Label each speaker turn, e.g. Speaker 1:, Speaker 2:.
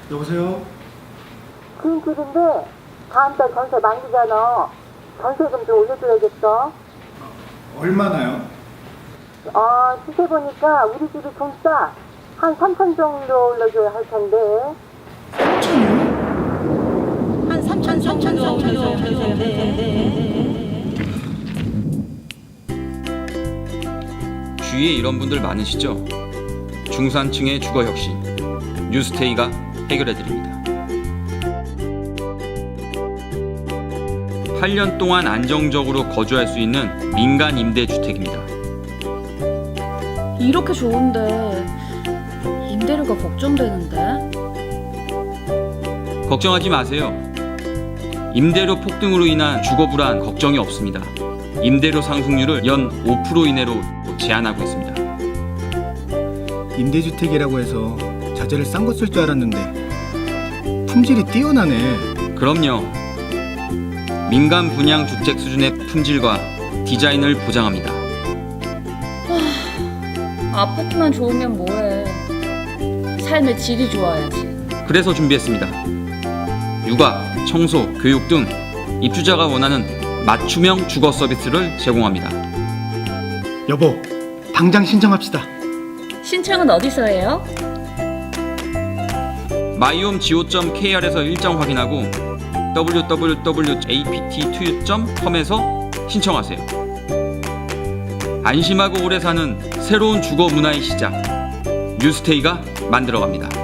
Speaker 1: 여보세요?
Speaker 2: 긴 길인데 다음 달 전세 만기잖아. 전세금 좀 올려줘야겠어.
Speaker 1: 얼마나요?
Speaker 2: 시세 보니까 우리 집이 좀 싸. 한 3천 정도 올려줘야 할 텐데.
Speaker 1: 3천이요?
Speaker 3: 한 3천 정도 올려줘야 할 텐데.
Speaker 4: 주위에 이런 분들 많으시죠? 중산층의 주거 혁신, 뉴스테이가 해결해드립니다. 8년 동안 안정적으로 거주할 수 있는 민간 임대주택입니다.
Speaker 3: 이렇게 좋은데 임대료가 걱정되는데.
Speaker 4: 걱정하지 마세요. 임대료 폭등으로 인한 주거 불안 걱정이 없습니다. 임대료 상승률을 연 5% 이내로 제한하고 있습니다.
Speaker 1: 임대주택이라고 해서 자재를 싼 거 쓸 줄 알았는데 품질이 뛰어나네.
Speaker 4: 그럼요. 민간 분양 주택 수준의 품질과 디자인을 보장합니다.
Speaker 3: 아파트만 좋으면 뭐해. 삶의 질이 좋아야지.
Speaker 4: 그래서 준비했습니다. 육아, 청소, 교육 등 입주자가 원하는 맞춤형 주거 서비스를 제공합니다.
Speaker 1: 여보, 당장 신청합시다.
Speaker 3: 신청은 어디서 해요?
Speaker 4: myhomego.kr에서 일정 확인하고 www.apt2u.com에서 신청하세요. 안심하고 오래 사는 새로운 주거 문화의 시작, 뉴스테이가 만들어갑니다.